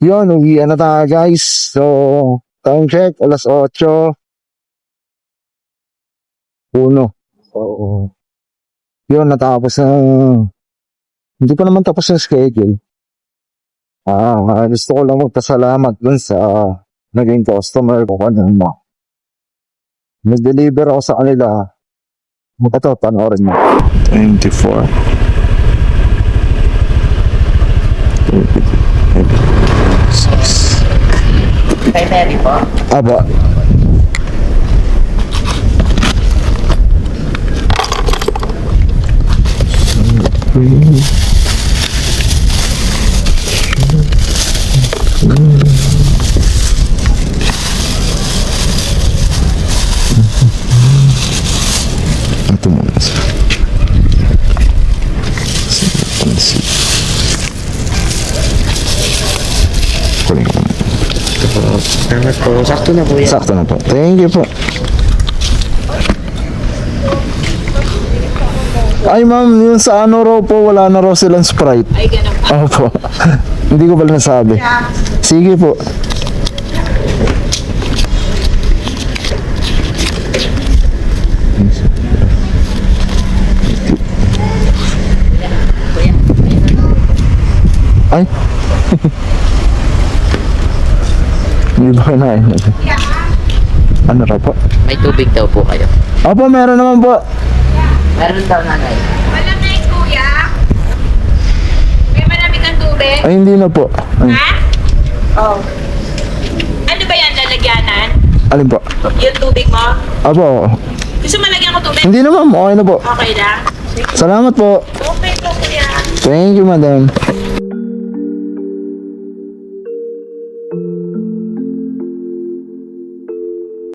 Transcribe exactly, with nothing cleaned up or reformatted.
Yun, uwian na tayo guys. So, time check, alas otso. Uno. So, yun, natapos na. Hindi pa naman tapos yung schedule. Ah, gusto ko lang magpasalamat dun sa naging customer ko kanina. Nag-deliver ako sa kanila. Ito, panoorin mo. twenty-four. Kay Mary po? Aba. Ito muna sa pansit. Kunin ko. Salamat po. Sakto na po yan. Sakto na po. Thank you po. Ay ma'am, yung sa ano raw po, wala na raw silang Sprite. Ay, ganun pa. Opo. Hindi ko pala nasabi. Sige po. Ay. Hindi ba na ano raw po? May tubig daw po kayo. Opo, meron naman po. Meron daw nanay. Malamig, kuya. May malamig ang tubig. Ay, hindi na po. Ay, Ha? Oh. Ano ba yan, lalagyanan? alin po? Yung tubig mo? Opo. Gusto mo lagyan ko tubig? Hindi na ma'am, okay na po. Okay lang. Salamat po. Okay po, kuya. Thank you, madam.